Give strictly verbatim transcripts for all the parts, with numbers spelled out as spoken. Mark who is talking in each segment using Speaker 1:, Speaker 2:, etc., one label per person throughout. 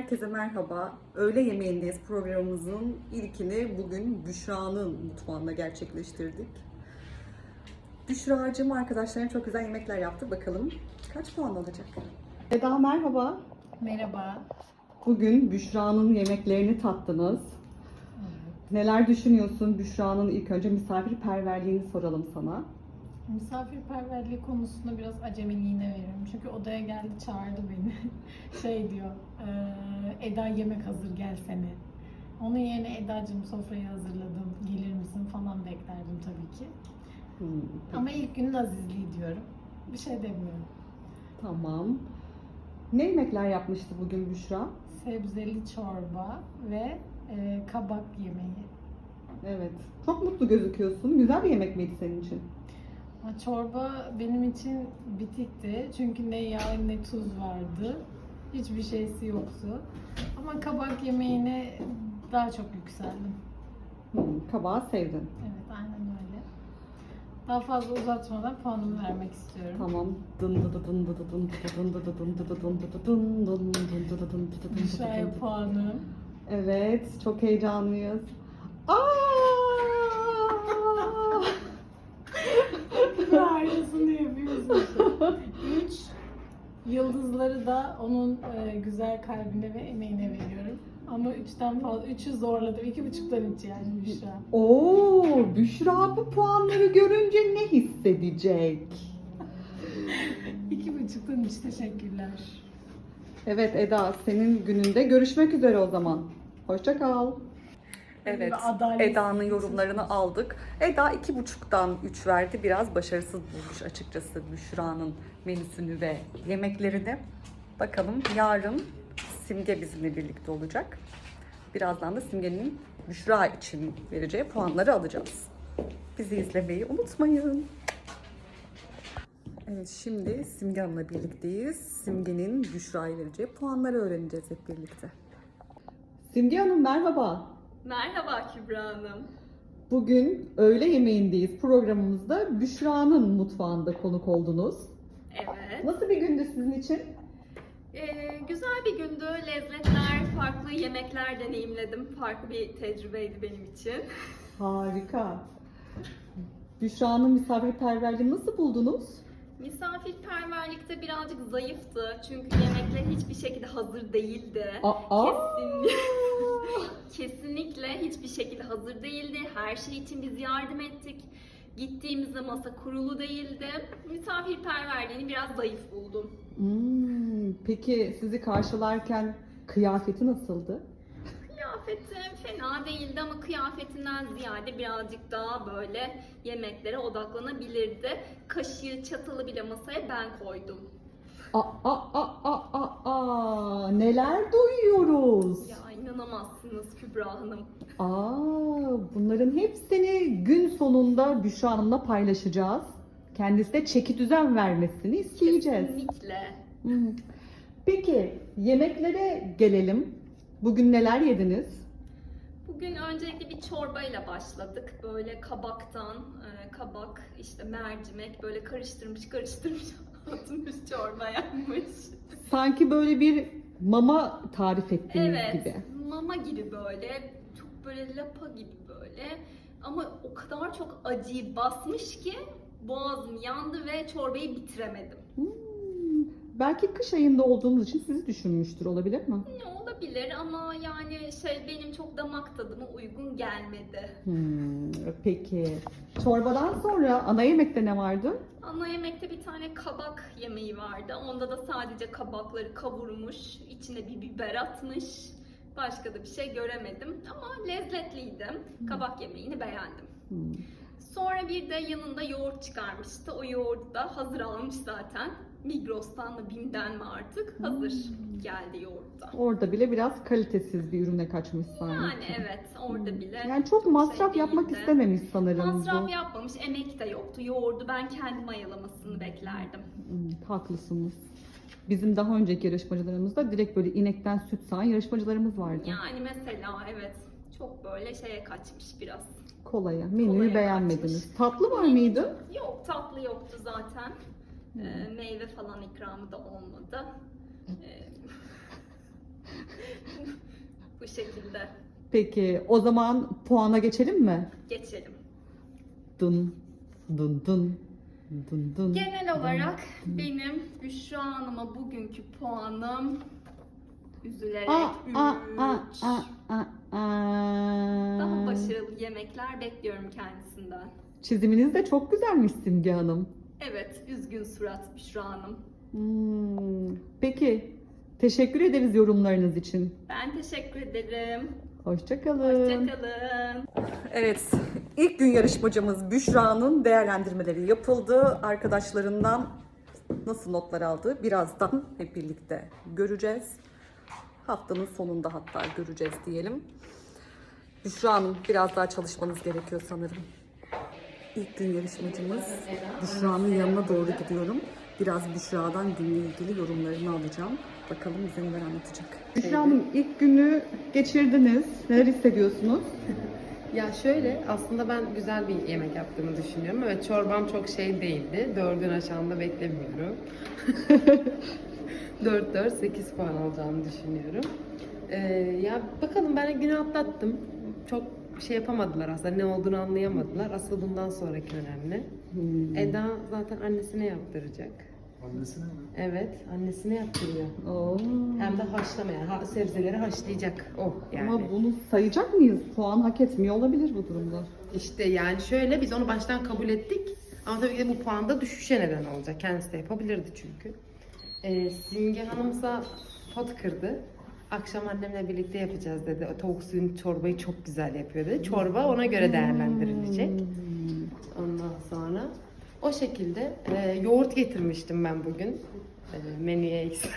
Speaker 1: Herkese merhaba. Öğle yemeğindeyiz programımızın ilkini bugün Büşra'nın mutfağında gerçekleştirdik. Büşra'cığım arkadaşlarına çok güzel yemekler yaptı. Bakalım kaç puan alacak? Eda merhaba.
Speaker 2: Merhaba.
Speaker 1: Bugün Büşra'nın yemeklerini tattınız. Neler düşünüyorsun? Büşra'nın ilk önce misafirperverliğini soralım sana.
Speaker 2: Misafirperverliği konusunda biraz acemiliğine veriyorum. Çünkü odaya geldi, çağırdı beni. Şey diyor, "Ee, Eda yemek hazır gelsene." Onun yerine Eda'cığım sofrayı hazırladım, gelir misin falan beklerdim tabii ki.
Speaker 1: Hmm,
Speaker 2: Ama ilk günün azizliği diyorum. Bir şey demiyorum.
Speaker 1: tamam. Ne yemekler yapmıştı bugün Büşra?
Speaker 2: Sebzeli çorba ve e, kabak yemeği.
Speaker 1: Evet. Çok mutlu gözüküyorsun. Güzel bir yemek miydi senin için?
Speaker 2: Ama çorba benim için bitikti. Çünkü ne yağ ne tuz vardı. Hiçbir şeysi yoktu. Ama kabak yemeğine daha çok yükseldim.
Speaker 1: Hmm, kabağı sevdin.
Speaker 2: Evet, aynen öyle. Daha fazla uzatmadan puanımı vermek istiyorum.
Speaker 1: Tamam. Dın dı dı dın dı dı dın dı dı dın dı dı dın dı dı dın dı dı dın dın dın dı dı dın dı dı dın dı dı
Speaker 2: Büşra'ya
Speaker 1: dın.
Speaker 2: puanım.
Speaker 1: Evet, çok heyecanlıyız. Aa!
Speaker 2: Ve aynısını yapıyorsun. Üç yıldızları da onun e, güzel kalbine ve emeğine veriyorum. Ama üçten fazla, üçü zorladım. İki buçuktan üç yani Büşra.
Speaker 1: Oo, Büşra bu puanları görünce ne hissedecek?
Speaker 2: İki buçuktan üç, teşekkürler.
Speaker 1: Evet Eda, senin gününde görüşmek üzere o zaman. Hoşça kal. Evet,
Speaker 2: Ve adalet-
Speaker 1: Eda'nın yorumlarını aldık. Eda iki buçuktan üç verdi. Biraz başarısız bulmuş açıkçası Büşra'nın menüsünü ve yemeklerini. Bakalım yarın Simge bizimle birlikte olacak. Birazdan da Simge'nin Büşra için vereceği puanları alacağız. Bizi izlemeyi unutmayın. Evet, şimdi Simge Hanım'la birlikteyiz. Simge'nin Büşra'ya vereceği puanları öğreneceğiz hep birlikte. Simge Hanım merhaba.
Speaker 3: Merhaba Kübra Hanım.
Speaker 1: Bugün öğle yemeğindeyiz. Programımızda Büşra'nın mutfağında konuk oldunuz.
Speaker 3: Evet.
Speaker 1: Nasıl bir gündü sizin için?
Speaker 3: Ee, güzel bir gündü. Lezzetler, farklı yemekler deneyimledim. Farklı bir tecrübeydi benim için.
Speaker 1: Harika. Büşra'nın misafirperverliğini nasıl buldunuz?
Speaker 3: Misafirperverlikte birazcık zayıftı. Çünkü yemekler hiçbir şekilde hazır değildi.
Speaker 1: Aa!
Speaker 3: Kesinlikle. Kesinlikle hiçbir şekilde hazır değildi. Her şey için biz yardım ettik. Gittiğimizde masa kurulu değildi. Misafirperverliğini biraz zayıf buldum.
Speaker 1: Hmm, peki sizi karşılarken kıyafeti nasıldı?
Speaker 3: Kıyafeti fena değildi ama kıyafetinden ziyade birazcık daha böyle yemeklere odaklanabilirdi. Kaşığı, çatalı bile masaya ben koydum.
Speaker 1: Aa, aa, aa, aa, aa, neler duyuyoruz?
Speaker 3: Ya inanamazsınız Kübra Hanım.
Speaker 1: Aa, bunların hepsini gün sonunda Büşra Hanım'la paylaşacağız. Kendisine çeki düzen vermesini isteyeceğiz.
Speaker 3: Kesinlikle.
Speaker 1: Hmm. Peki yemeklere gelelim. Bugün neler yediniz?
Speaker 3: Bugün öncelikle bir çorbayla başladık. Böyle kabaktan, e, kabak, işte mercimek böyle karıştırmış karıştırmış atmış çorba yapmış.
Speaker 1: Sanki böyle bir mama tarif ettiğiniz
Speaker 3: Evet,
Speaker 1: gibi.
Speaker 3: mama gibi böyle, çok böyle lapa gibi böyle. Ama o kadar çok acıyı basmış ki boğazım yandı ve çorbayı bitiremedim.
Speaker 1: Hmm. Belki kış ayında olduğumuz için sizi düşünmüştür, olabilir mi?
Speaker 3: Ne olabilir ama yani şey benim çok damak tadıma uygun gelmedi.
Speaker 1: Hmm, peki. Çorbadan sonra ana yemekte ne vardı?
Speaker 3: Ana yemekte bir tane kabak yemeği vardı. Onda da sadece kabakları kavurmuş, içine bir biber atmış. Başka da bir şey göremedim ama lezzetliydi. Kabak yemeğini beğendim.
Speaker 1: Hmm.
Speaker 3: Sonra bir de yanında yoğurt çıkarmıştı. O yoğurdu da hazır almış zaten. Migros'tan mı BİM'den mi artık hazır geldi yoğurt da.
Speaker 1: Orada bile biraz kalitesiz bir ürüne kaçmış sanki.
Speaker 3: Yani evet orada bile.
Speaker 1: Yani çok masraf
Speaker 3: şey
Speaker 1: yapmak
Speaker 3: değildi.
Speaker 1: istememiş sanırım
Speaker 3: Masraf
Speaker 1: bu.
Speaker 3: yapmamış, emek de yoktu. Yoğurdu ben kendim mayalamasını beklerdim.
Speaker 1: Hmm, haklısınız. Bizim daha önceki yarışmacılarımızda direkt böyle inekten süt sağan yarışmacılarımız vardı.
Speaker 3: Yani mesela evet çok böyle şeye kaçmış biraz.
Speaker 1: Kolaya. Menüyü
Speaker 3: Kolaya
Speaker 1: beğenmediniz.
Speaker 3: kaçmış.
Speaker 1: Tatlı var mıydı?
Speaker 3: Yok tatlı yoktu zaten. Ee, meyve falan ikramı da olmadı. Ee, şekilde.
Speaker 1: Peki o zaman puana geçelim mi?
Speaker 3: Geçelim.
Speaker 1: Dın dın dın dın dın.
Speaker 3: Genel olarak benim Büşra Hanım'a bugünkü puanım üzülerek
Speaker 1: Aa, aa, aa,
Speaker 3: üç.
Speaker 1: aa, aa, aa.
Speaker 3: Daha başarılı yemekler bekliyorum kendisinden.
Speaker 1: Çiziminiz de çok güzelmiş Simge Hanım.
Speaker 3: Evet, üzgün surat Büşra Hanım.
Speaker 1: Hmm, Peki, teşekkür ederiz yorumlarınız için.
Speaker 3: Ben teşekkür ederim.
Speaker 1: Hoşça kalın.
Speaker 3: Hoşçakalın.
Speaker 1: Evet, ilk gün yarışmacımız Büşra'nın değerlendirmeleri yapıldı. Arkadaşlarından nasıl notlar aldı birazdan hep birlikte göreceğiz. Haftanın sonunda hatta göreceğiz diyelim. Büşra Hanım, biraz daha çalışmanız gerekiyor sanırım. İlk gün yarışmacımız Büşra'nın yanına doğru gidiyorum. Biraz Büşra'dan günle ilgili yorumlarını alacağım. Bakalım bize neler anlatacak. Büşra Hanım, ilk günü geçirdiniz. Neler hissediyorsunuz?
Speaker 4: Ya şöyle, aslında ben güzel bir yemek yaptığımı düşünüyorum. Evet, çorbam çok şey değildi. Dördün aşağında beklemiyorum. dört dört sekiz puan alacağımı düşünüyorum. Ee, ya bakalım, ben günü atlattım. Çok şey yapamadılar aslında, ne olduğunu anlayamadılar. Asıl bundan sonraki önemli.
Speaker 1: Hmm.
Speaker 4: Eda zaten annesine yaptıracak.
Speaker 5: Annesine mi?
Speaker 4: Evet, annesine yaptırıyor.
Speaker 1: Oo.
Speaker 4: Hem de haşlama, yani ha- sebzeleri haşlayacak o yani.
Speaker 1: Ama bunu sayacak mıyız? Puan hak etmiyor olabilir bu durumda.
Speaker 4: İşte yani şöyle, biz onu baştan kabul ettik. Ama tabii ki de bu puanda düşüşe neden olacak. Kendisi de yapabilirdi çünkü. Ee, Simge Hanımsa pot kırdı. Akşam annemle birlikte yapacağız dedi. O tavuk suyun çorbayı çok güzel yapıyor dedi. Çorba ona göre değerlendirilecek. Ondan sonra o şekilde e, yoğurt getirmiştim ben bugün. E, menüye eksik.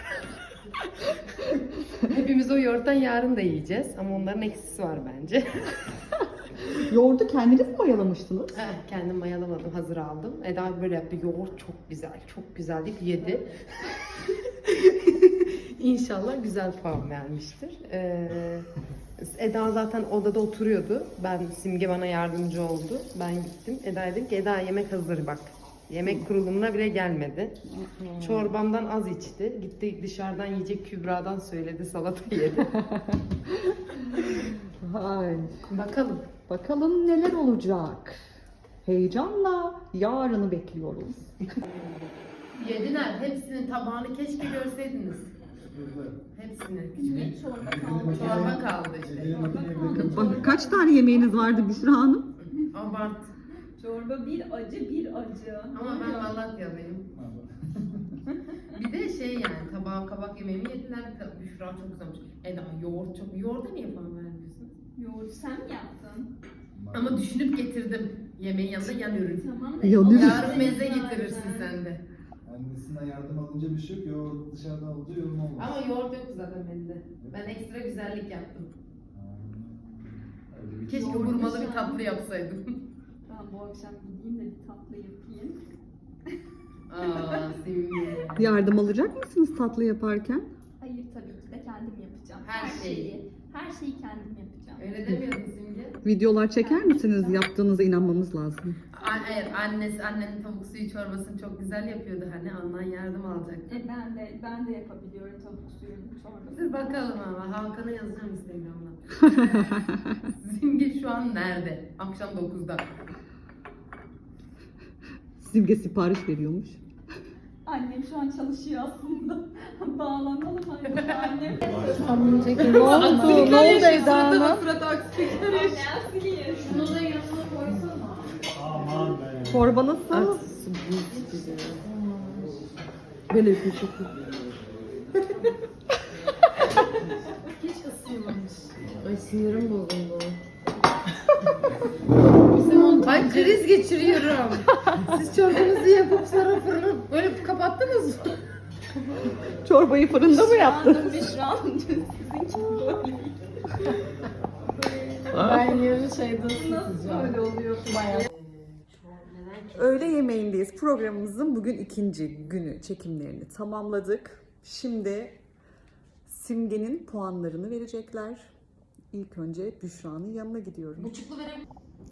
Speaker 4: Hepimiz o yoğurttan yarın da yiyeceğiz. Ama onların eksisi var bence.
Speaker 1: Yoğurdu kendiniz mi mayalamıştınız?
Speaker 4: Eh, kendim mayalamadım, hazır aldım. Eda böyle yaptı, yoğurt çok güzel, çok güzel deyip yedi. İnşallah güzel puan vermiştir. Ee, Eda zaten odada oturuyordu. Ben, Simge bana yardımcı oldu. Ben gittim. Eda dedim ki, Eda yemek hazır bak. Yemek kurulumuna bile gelmedi. Çorbamdan az içti. Gitti dışarıdan yiyecek, Kübra'dan söyledi, salata yedi.
Speaker 1: Hay.
Speaker 4: Bakalım.
Speaker 1: Bakalım neler olacak. Heyecanla yarını bekliyoruz.
Speaker 4: Yediler. Hepsinin tabağını keşke görseydiniz. Hepsini.
Speaker 3: Ne çorba kaldı?
Speaker 4: Çorba kaldı işte.
Speaker 1: Bak, kaç tane yemeğiniz vardı Büşra Hanım?
Speaker 4: Abart.
Speaker 3: Çorba bir acı bir acı.
Speaker 4: Ama ben Malatyalıyım. Bir de şey, yani tabağa kabak yemeğimi yediler. Büşra çok güzelmiş. Eda yoğurt çok. Yoğurda niye puan vermiyorsun?
Speaker 3: Yoğurt sen mi yaptın?
Speaker 4: Ama düşünüp getirdim. Yemeğin yanında yan ürün.
Speaker 3: Tamam da
Speaker 1: Yan
Speaker 3: o
Speaker 1: ürün.
Speaker 4: Yarın meze getirirsin sen de.
Speaker 5: Annesinden yardım alınca bir şey yok. Yoğurt dışarıdan alınca yorum olmaz.
Speaker 4: Ama yoğurt yok zaten bende. Ben ekstra güzellik yaptım.
Speaker 5: Öyle bir
Speaker 4: Keşke
Speaker 3: Yoğurt
Speaker 4: hurmalı bir
Speaker 3: dışarı.
Speaker 4: tatlı yapsaydım.
Speaker 3: Ben bu akşam gideyim de bir tatlı yapayım.
Speaker 4: Aa, Simge.
Speaker 1: Yardım alacak mısınız tatlı yaparken?
Speaker 3: Hayır, tabii ki de kendim yapacağım.
Speaker 4: Her şeyi.
Speaker 3: Her şeyi kendim yapacağım.
Speaker 4: Öyle demiyordun Simge.
Speaker 1: Videolar çeker misiniz? Yaptığınıza inanmamız lazım.
Speaker 4: A- Hayır, annesi, annenin tavuk suyu çorbasını çok güzel yapıyordu hani, ondan yardım alacaktı.
Speaker 3: E ben de ben de yapabiliyorum tavuk suyunun çorbası.
Speaker 4: Dur bakalım ama, Hakan'a yazacağım Instagram'dan. Simge şu an nerede? Akşam dokuzda.
Speaker 1: Simge sipariş veriyormuş.
Speaker 3: Annem şu an çalışıyor aslında. Bağlanalım hadi annem.
Speaker 1: Ne oldu? Ne oldu Eda Hanım?
Speaker 4: Surat aksilik.
Speaker 3: Şunu da yanına koysana.
Speaker 1: Çorba nasıl? Böyle bir şey.
Speaker 2: Hiç ısınmamış.
Speaker 4: Ay sinirim bozuldu.
Speaker 2: Bizim on
Speaker 4: Ay kriz geçiriyorum. Siz çorbanızı yapıp sonra fırını böyle kapattınız mı?
Speaker 1: Çorbayı fırında mı yaptın?
Speaker 3: Annem Büşra Hanım sizinki böyle.
Speaker 2: ben yarın şeyde
Speaker 3: Nasıl
Speaker 2: ısıtacağım.
Speaker 3: böyle oluyor?
Speaker 2: Bayağı.
Speaker 1: Öğle yemeğindeyiz. Programımızın bugün ikinci günü çekimlerini tamamladık. Şimdi Simge'nin puanlarını verecekler. İlk önce Büşra'nın yanına gidiyorum.
Speaker 4: Buçuklu vereyim.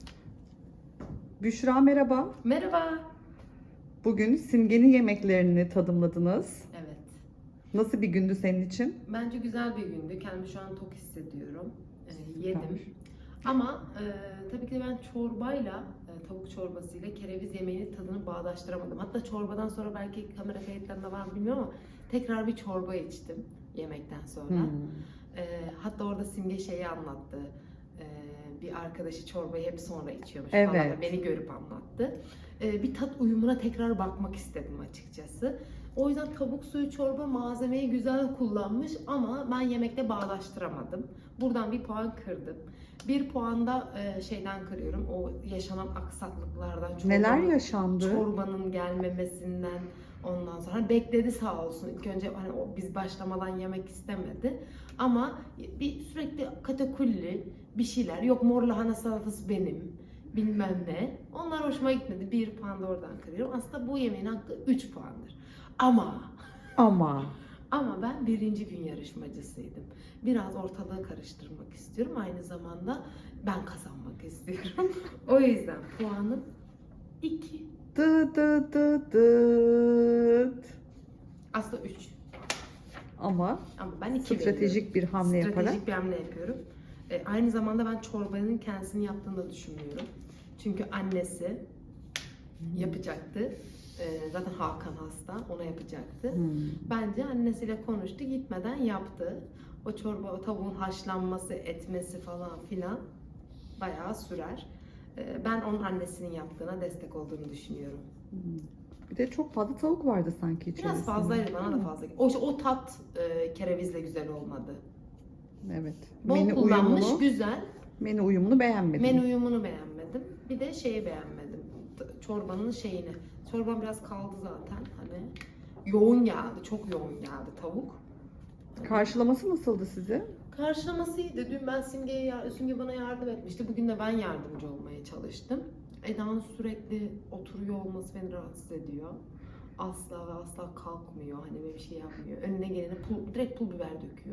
Speaker 1: Büşra merhaba.
Speaker 4: Merhaba.
Speaker 1: Bugün Simge'nin yemeklerini tadımladınız.
Speaker 4: Evet.
Speaker 1: Nasıl bir gündü senin için?
Speaker 4: Bence güzel bir gündü. Kendimi şu an tok hissediyorum. Ee,
Speaker 1: Süper.
Speaker 4: yedim. Ama e, tabii ki de ben çorbayla, e, tavuk çorbasıyla kereviz yemeğinin tadını bağdaştıramadım. Hatta çorbadan sonra belki kamera kayıtlarında var mı bilmiyorum ama tekrar bir çorba içtim yemekten sonra.
Speaker 1: Hmm.
Speaker 4: E, hatta orada Simge şeyi anlattı. E, bir arkadaşı çorbayı hep sonra içiyormuş
Speaker 1: Evet.
Speaker 4: falan. Beni görüp anlattı. E, bir tat uyumuna tekrar bakmak istedim açıkçası. O yüzden tavuk suyu çorba malzemeyi güzel kullanmış ama ben yemekte bağdaştıramadım. Buradan bir puan kırdım. Bir puan da e, şeyden kırıyorum. O yaşanan aksaklıklardan. Çorbanın,
Speaker 1: Neler yaşandı?
Speaker 4: Çorbanın gelmemesinden ondan sonra. Hani bekledi sağ olsun. İlk önce hani o biz başlamadan yemek istemedi. Ama bir sürekli katakulli bir şeyler. Yok mor lahana salatası benim. Bilmem ne. Onlar hoşuma gitmedi. Bir puan da oradan kırıyorum. Aslında bu yemeğin hakkı üç puandır. Ama
Speaker 1: Ama
Speaker 4: ama ben birinci gün yarışmacısıydım. Biraz ortalığı karıştırmak istiyorum. Aynı zamanda ben kazanmak istiyorum. O yüzden puanım iki.
Speaker 1: dı dı dı dıt.
Speaker 4: Aslında üç.
Speaker 1: Ama
Speaker 4: Ama ben iki
Speaker 1: stratejik bir hamle
Speaker 4: veriyorum.
Speaker 1: yaparak.
Speaker 4: Stratejik bir hamle yapıyorum. E, aynı zamanda ben çorbanın kendisini yaptığını da düşünmüyorum. Çünkü annesi yapacaktı. E, zaten Hakan hasta. Ona yapacaktı.
Speaker 1: Hmm.
Speaker 4: Bence annesiyle konuştu, gitmeden yaptı. O çorba, o tavuğun haşlanması, etmesi falan filan bayağı sürer. Ee, Ben onun annesinin yaptığına destek olduğunu düşünüyorum.
Speaker 1: Hmm. Bir de çok fazla tavuk vardı sanki içerisinde.
Speaker 4: Biraz fazlaydı, bana da fazla. O, o tat e, kerevizle güzel olmadı.
Speaker 1: Evet.
Speaker 4: Bol
Speaker 1: Menü
Speaker 4: kullanmış,
Speaker 1: uyumunu,
Speaker 4: güzel.
Speaker 1: menü uyumunu beğenmedim.
Speaker 4: Menü uyumunu beğenmedim. Bir de şeyi beğenmedim. T- Çorbanın şeyini. Çorban biraz kaldı zaten. Hani yoğun geldi, çok yoğun geldi tavuk.
Speaker 1: Karşılaması nasıldı size?
Speaker 4: Karşılaması iyiydi. Dün ben Simge'ye, yar- Simge bana yardım etmişti. Bugün de ben yardımcı olmaya çalıştım. Eda'nın sürekli oturuyor olması beni rahatsız ediyor. Asla ve asla kalkmıyor. Hani böyle bir şey yapmıyor. Önüne gelene pul, direkt pul biber döküyor.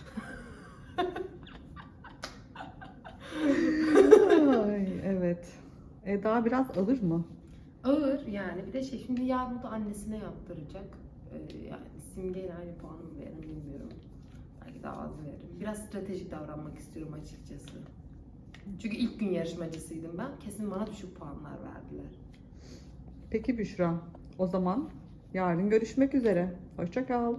Speaker 1: Ay, evet. Eda biraz alır mı?
Speaker 4: Ağır yani. Bir de şey, şimdi yarın da annesine yaptıracak. Ee, yani Simge'yle aynı puanı mı veririm bilmiyorum. Belki daha az veririm. Biraz stratejik davranmak istiyorum açıkçası. Çünkü ilk gün yarışmacısıydım ben. Kesin bana düşük puanlar verdiler.
Speaker 1: Peki Büşra. O zaman yarın görüşmek üzere. Hoşça kal.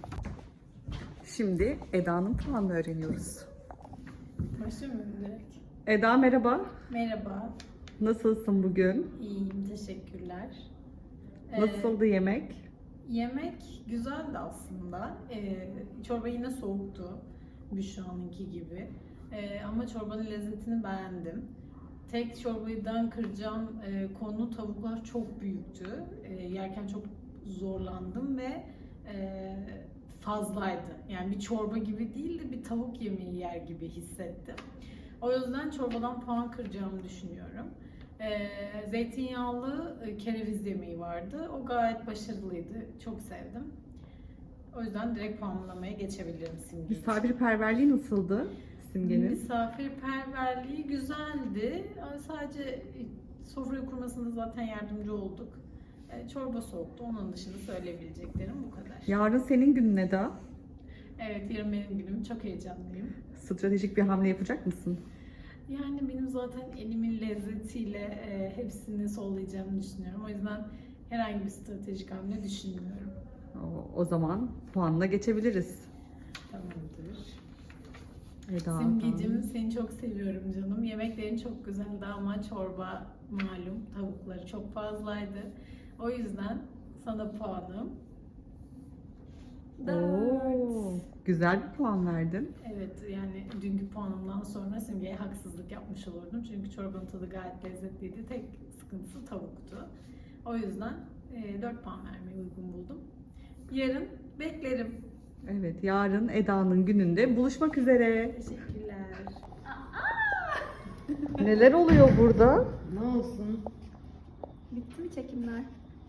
Speaker 1: Şimdi Eda'nın puanını öğreniyoruz.
Speaker 2: Başlamıyorum direkt.
Speaker 1: Eda merhaba.
Speaker 2: Merhaba.
Speaker 1: Nasılsın bugün?
Speaker 2: İyiyim. Teşekkürler. Ee,
Speaker 1: Nasıldı yemek?
Speaker 2: Yemek güzeldi aslında. Ee, çorba yine soğuktu. Büşra'nınki gibi. Ee, ama çorbanın lezzetini beğendim. Tek çorbadan kıracağım e, konu tavuklar çok büyüktü. E, yerken çok zorlandım ve e, fazlaydı. Yani bir çorba gibi değil de bir tavuk yemeği yer gibi hissettim. O yüzden çorbadan puan kıracağımı düşünüyorum. E, zeytinyağlı e, kereviz yemeği vardı. O gayet başarılıydı. Çok sevdim. O yüzden direkt puanlamaya geçebilirim Simge için.
Speaker 1: Misafirperverliği nasıldı Simge'nin?
Speaker 2: Misafirperverliği güzeldi. Ama sadece sofrayı kurmasında zaten yardımcı olduk. E, Çorba soğuktu. Onun dışında söyleyebileceklerim bu kadar.
Speaker 1: Yarın senin günün Eda.
Speaker 2: Evet, yarın benim günüm. Çok heyecanlıyım.
Speaker 1: Stratejik bir hamle yapacak mısın?
Speaker 2: Yani benim zaten elimin lezzetiyle e, hepsini sollayacağımı düşünüyorum. O yüzden herhangi bir stratejik hamle düşünmüyorum.
Speaker 1: O, o zaman puanla geçebiliriz.
Speaker 2: Tamamdır.
Speaker 1: Eda.
Speaker 2: Simgeciğim, seni çok seviyorum canım. Yemeklerin çok güzeldi ama çorba malum tavukları çok fazlaydı. O yüzden sana puanım dört.
Speaker 1: Oo, güzel bir puan verdin.
Speaker 2: Evet, yani dünkü puanımdan sonra Simge'ye haksızlık yapmış olurdum. Çünkü çorbanın tadı gayet lezzetliydi. Tek sıkıntısı tavuktu. O yüzden e, dört puan vermeyi uygun buldum. Yarın beklerim.
Speaker 1: Evet, yarın Eda'nın gününde buluşmak üzere.
Speaker 2: Teşekkürler.
Speaker 1: Neler oluyor burada?
Speaker 4: Ne olsun?
Speaker 3: Bitti mi çekimler?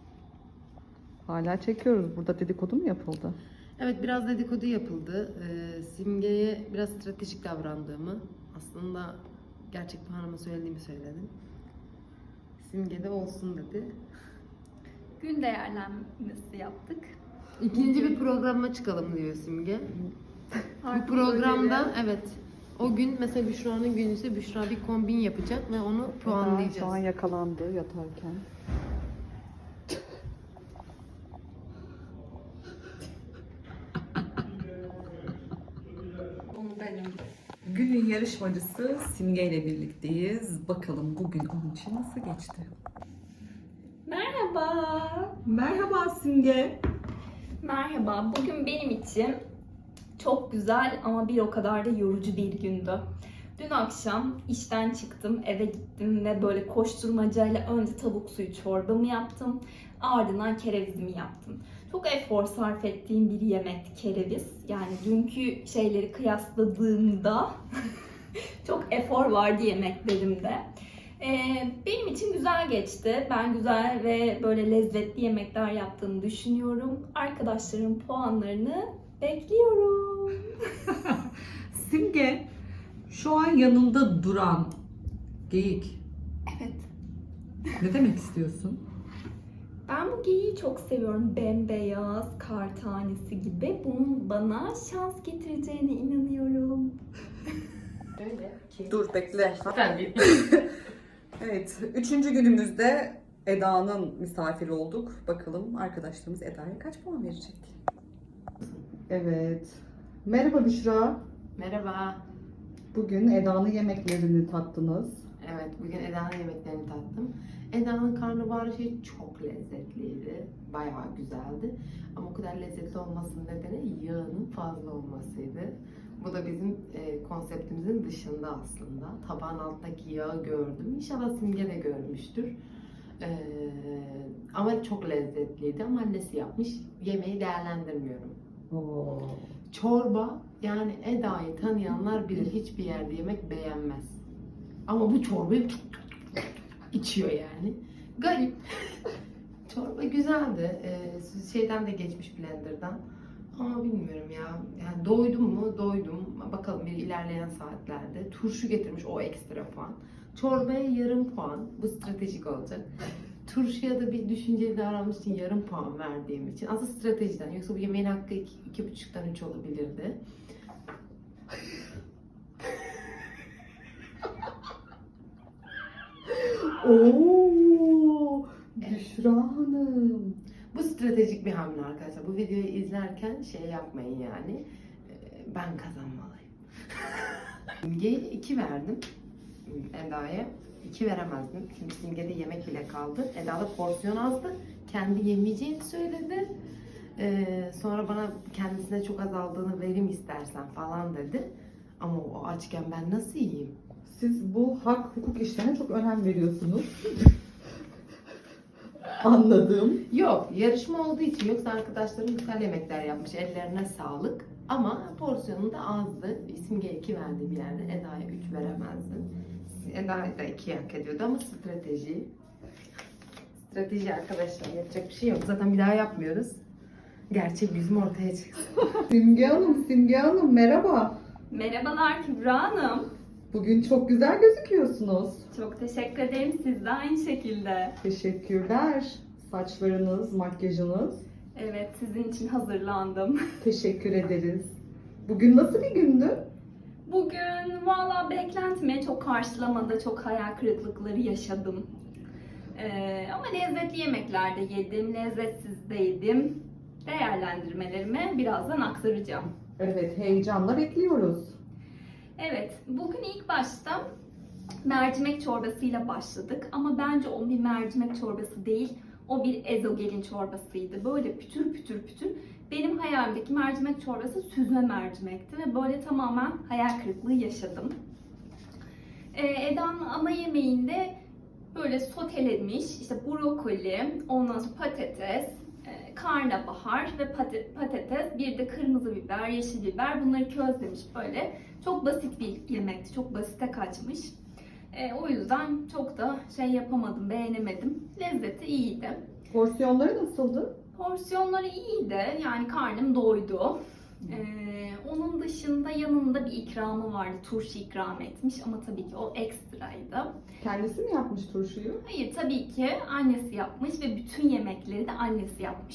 Speaker 1: Hala çekiyoruz. Burada dedikodu mu yapıldı?
Speaker 4: Evet, biraz dedikodu yapıldı. Ee, Simge'ye biraz stratejik davrandığımı, aslında gerçek puanımı söylediğimi söyledim. Simge de olsun dedi.
Speaker 3: Gün değerlenmesi yaptık.
Speaker 4: İkinci bir programa çıkalım diyor Simge. Bu programda evet o gün mesela Büşra'nın günü ise Büşra bir kombin yapacak ve onu puanlayacağız.
Speaker 1: Şu an yakalandı yatarken. Günün yarışmacısı Simge ile birlikteyiz. Bakalım bugün onun için nasıl geçti?
Speaker 3: Merhaba.
Speaker 1: Merhaba Simge.
Speaker 3: Merhaba. Bugün benim için çok güzel ama bir o kadar da yorucu bir gündü. Dün akşam işten çıktım, eve gittim ve böyle koşturmacayla önce tavuk suyu çorbamı yaptım. Ardından kerevizimi yaptım. Çok efor sarf ettiğim bir yemekti kereviz. Yani dünkü şeyleri kıyasladığımda çok efor vardı yemeklerimde. Ee, benim için güzel geçti. Ben güzel ve böyle lezzetli yemekler yaptığımı düşünüyorum. Arkadaşlarım puanlarını bekliyorum.
Speaker 1: Simge, şu an yanında duran geyik.
Speaker 3: Evet.
Speaker 1: Ne demek istiyorsun?
Speaker 3: Ben bu geyiği çok seviyorum. Bembeyaz, kar tanesi gibi. Bunun bana şans getireceğine inanıyorum.
Speaker 1: Dur bekle. Evet, üçüncü günümüzde Eda'nın misafiri olduk. Bakalım arkadaşlarımız Eda'ya kaç puan verecek? Evet. Merhaba Büşra.
Speaker 4: Merhaba.
Speaker 1: Bugün Eda'nın yemeklerini tattınız.
Speaker 4: Evet, bugün Eda'nın yemeklerini tattım. Eda'nın karnabahar şeyi çok lezzetliydi. Bayağı güzeldi. Ama o kadar lezzetli olmasının nedeni yağının fazla olmasıydı. Bu da bizim e, konseptimizin dışında aslında. Tabağın altındaki yağı gördüm. İnşallah Simge de görmüştür. Ee, ama çok lezzetliydi. Ama annesi yapmış. Yemeği değerlendirmiyorum.
Speaker 1: Oo.
Speaker 4: Çorba, yani Eda'yı tanıyanlar bilir, hiçbir yerde yemek beğenmez. Ama bu çorbayı içiyor yani. Garip. Çorba güzeldi. Ee, şeyden de geçmiş, blenderdan. Ama bilmiyorum ya. Yani doydum mu? Doydum. Bakalım bir ilerleyen saatlerde. Turşu getirmiş, o ekstra puan. Çorbaya yarım puan. Bu stratejik olacak. Turşuya da bir düşünceli davranmış için yarım puan verdiğim için. Aslında stratejiden. Yoksa bu yemeğin hakkı iki, iki buçuktan üç olabilirdi.
Speaker 1: Oo, Büşra Hanım.
Speaker 4: Bu stratejik bir hamle arkadaşlar. Bu videoyu izlerken şey yapmayın yani. Ee, Ben kazanmalıyım. Simge'ye iki verdim. Eda'ya iki veremezdim. Çünkü Simge'de yemek bile kaldı. Eda'da porsiyon azdı. Kendi yemeyeceğini söyledi. Ee, sonra bana kendisine çok azaldığını vereyim istersen falan dedi. Ama o açken ben nasıl yiyeyim?
Speaker 1: Siz bu hak hukuk işlerine çok önem veriyorsunuz. Anladım.
Speaker 4: Yok, yarışma olduğu için, yoksa arkadaşlarım güzel yemekler yapmış. Ellerine sağlık. Ama porsiyonu da azdı. Simge'ye iki verdiğim yerde Eda'ya üç veremezdim. Eda da iki hak ediyordu ama strateji. Strateji arkadaşlar, yapacak bir şey yok. Zaten bir daha yapmıyoruz. Gerçek yüzüm ortaya çıksın.
Speaker 1: Simge Hanım, Simge Hanım merhaba.
Speaker 3: Merhabalar Kübra Hanım.
Speaker 1: Bugün çok güzel gözüküyorsunuz.
Speaker 3: Çok teşekkür ederim. Siz de aynı şekilde.
Speaker 1: Teşekkürler. Saçlarınız, makyajınız.
Speaker 3: Evet, sizin için hazırlandım.
Speaker 1: Teşekkür ederiz. Bugün nasıl bir gündü?
Speaker 3: Bugün valla beklentime çok karşılamadı. Çok hayal kırıklıkları yaşadım. Ee, ama lezzetli yemekler de yedim. Lezzetsiz de yedim. Değerlendirmelerimi birazdan aktaracağım.
Speaker 1: Evet, heyecanla bekliyoruz.
Speaker 3: Evet, bugün ilk başta mercimek çorbasıyla başladık. Ama bence o bir mercimek çorbası değil. O bir ezogelin çorbasıydı. Böyle pütür pütür pütür. Benim hayalimdeki mercimek çorbası süzme mercimekti ve böyle tamamen hayal kırıklığı yaşadım. Ee, Eda'nın ana yemeğinde böyle sotelenmiş işte brokoli, ondan sonra patates, e, karnabahar ve pate- patates, bir de kırmızı biber, yeşil biber, bunları közlemiş böyle. Çok basit bir yemekti, çok basite kaçmış. E, o yüzden çok da şey yapamadım, beğenemedim. Lezzeti iyiydi.
Speaker 1: Porsiyonları nasıldı?
Speaker 3: Porsiyonları iyiydi. Yani karnım doydu. Ee, onun dışında yanında bir ikramı vardı. Turşu ikram etmiş ama tabii ki o ekstraydı.
Speaker 1: Kendisi mi yapmış turşuyu?
Speaker 3: Hayır, tabii ki annesi yapmış ve bütün yemekleri de annesi yapmış.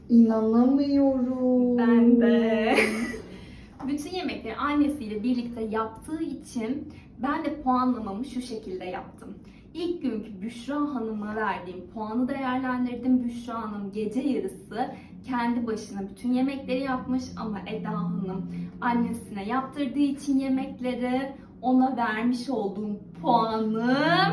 Speaker 1: İnanamıyorum.
Speaker 3: Ben de. Bütün yemekleri annesiyle birlikte yaptığı için ben de puanlamamı şu şekilde yaptım. İlk günkü Büşra Hanım'a verdiğim puanı değerlendirdim. Büşra Hanım gece yarısı kendi başına bütün yemekleri yapmış ama Eda Hanım annesine yaptırdığı için yemekleri, ona vermiş olduğum puanım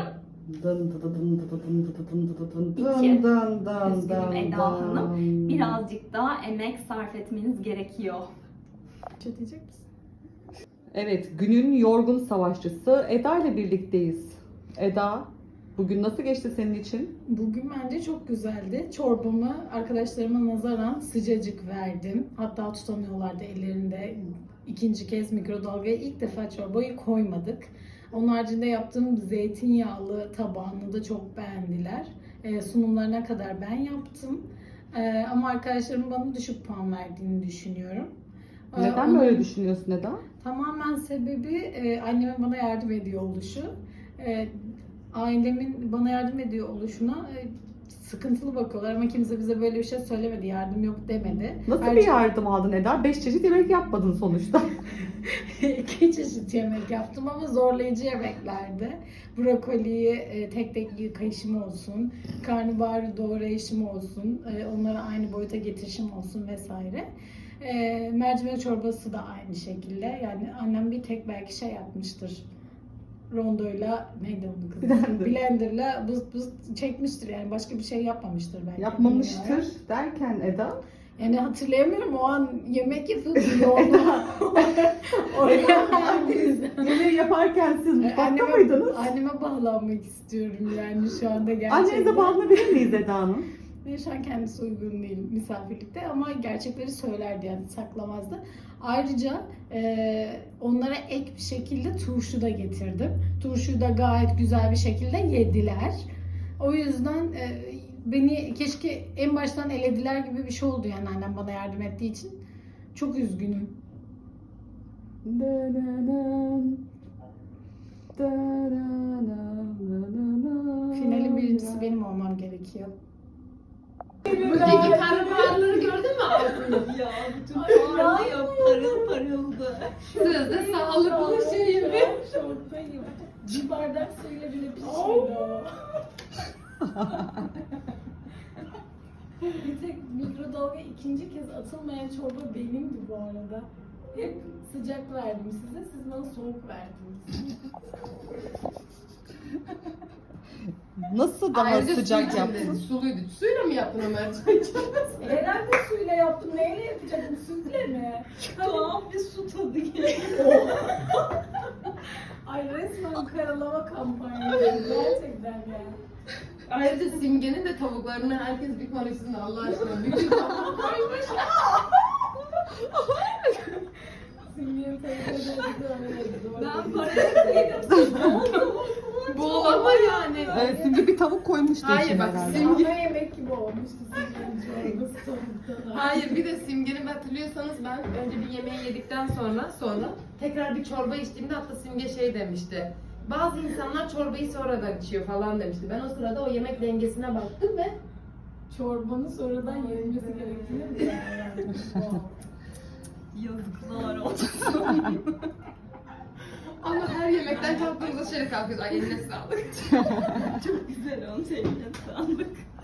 Speaker 1: Dın dı dı dın dı dı dın dı dı dın dı dı dın
Speaker 3: İki.
Speaker 1: dın dın
Speaker 3: Üzgünüm
Speaker 1: dın
Speaker 3: Eda
Speaker 1: dın.
Speaker 3: Hanım. Birazcık daha emek sarf etmeniz gerekiyor.
Speaker 2: Çötecek misin?
Speaker 1: Evet, günün yorgun savaşçısı Eda ile birlikteyiz. Eda, bugün nasıl geçti senin için?
Speaker 2: Bugün bence çok güzeldi. Çorbamı arkadaşlarıma nazaran sıcacık verdim. Hatta tutamıyorlardı ellerinde. İkinci kez mikrodalgaya ilk defa çorbayı koymadık. Onun haricinde yaptığım zeytinyağlı tabağını da çok beğendiler. Ee, sunumlarına kadar ben yaptım. Ee, ama arkadaşlarım bana düşük puan verdiğini düşünüyorum. Ee,
Speaker 1: Neden
Speaker 2: onun
Speaker 1: böyle düşünüyorsun Eda?
Speaker 2: Tamamen sebebi e, annemin bana yardım ediyor oluşu. E, ailemin bana yardım ediyor oluşuna e, sıkıntılı bakıyorlar ama kimse bize böyle bir şey söylemedi, yardım yok demedi.
Speaker 1: Nasıl bir
Speaker 2: Ayrıca-
Speaker 1: yardım aldın Eda? Beş çeşit yemek yapmadın sonuçta.
Speaker 2: İki çeşit yemek yaptım ama zorlayıcı yemeklerdi. Brokoliyi e, tek tek yıkayışım olsun, karnabaharı doğrayışım olsun, e, onları aynı boyuta getirişim olsun vesaire. E, mercimek çorbası da aynı şekilde. Yani annem bir tek belki şey yapmıştır. Rondoyla neydi onun kızı?
Speaker 1: Blender.
Speaker 2: Blenderla bız bız çekmiştir yani başka bir şey yapmamıştır belki. bilmiyorum.
Speaker 1: Yapmamıştır derken Eda.
Speaker 2: Yani hatırlayamıyorum o an yemek yapıyordum yolda. Oraya
Speaker 1: Yemeği yaparken siz mutfakta
Speaker 2: anneme,
Speaker 1: mıydınız?
Speaker 2: anneme bağlanmak istiyorum yani şu anda gerçekten.
Speaker 1: Annenize bağlanabilir miyiz Eda Hanım?
Speaker 2: Ve şu an kendisi uygun değil misafirlikte ama gerçekleri söylerdi yani saklamazdı. Ayrıca e, onlara ek bir şekilde turşu da getirdim. Turşuyu da gayet güzel bir şekilde yediler. O yüzden e, beni keşke en baştan elediler gibi bir şey oldu yani annem bana yardım ettiği için. Çok üzgünüm. Finalin birincisi benim olmam gerekiyor.
Speaker 4: Buradaki karnabaharları gördün mü altını?
Speaker 3: Ya bütün parlıyor, parıl parıldı.
Speaker 4: Sözde sağlıklı şey mi?
Speaker 2: Şoktayım. Bir bardak suyla bile pişmedi o. Bir tek mikrodalga ikinci kez atılmayan çorba benimdi bu arada. Hep sıcak verdim size, siz bana soğuk verdiniz.
Speaker 1: Nasıl daha
Speaker 4: Ayrıca
Speaker 1: sıcak
Speaker 4: su içinde
Speaker 1: yaptın?
Speaker 4: Suluydu. Suyla mı yaptın o mercimek çorbası?
Speaker 2: Herhalde suyla yaptım, neyle yapacaktım, sütle mi?
Speaker 3: Tuhaf bir su tadı geliyor.
Speaker 2: Ay resmen karalama kampanyası gerçekten ya.
Speaker 4: Ayrıca Simge'nin de tavuklarını herkes bir konuşsun Allah aşkına. Bütün tavuk koymuş.
Speaker 2: Simge'nin teyzeleri
Speaker 3: Ben parayı
Speaker 4: Boğulama yani.
Speaker 1: Evet, şimdi bir tavuk koymuştu
Speaker 4: Hayır,
Speaker 1: içine
Speaker 4: bak,
Speaker 1: herhalde.
Speaker 4: sim-
Speaker 2: Ana yemek gibi olmuştu Simge'nin çorbası tavuktan.
Speaker 4: Hayır bir de Simge'nin hatırlıyorsanız ben önce bir yemeği yedikten sonra sonra tekrar bir çorba içtiğimde hatta Simge şey demişti. Bazı insanlar çorbayı sonradan içiyor falan demişti. Ben o sırada o yemek dengesine baktım ve
Speaker 2: Çorbanın sonradan yenilmesi gerektiğini de yani. Wow.
Speaker 3: Yazıklar olsun.
Speaker 4: ama her yemekten kalktığımızda şöyle kalkıyoruz. Ay eline sağlık.
Speaker 3: Çok güzel olmuş, eline sağlık.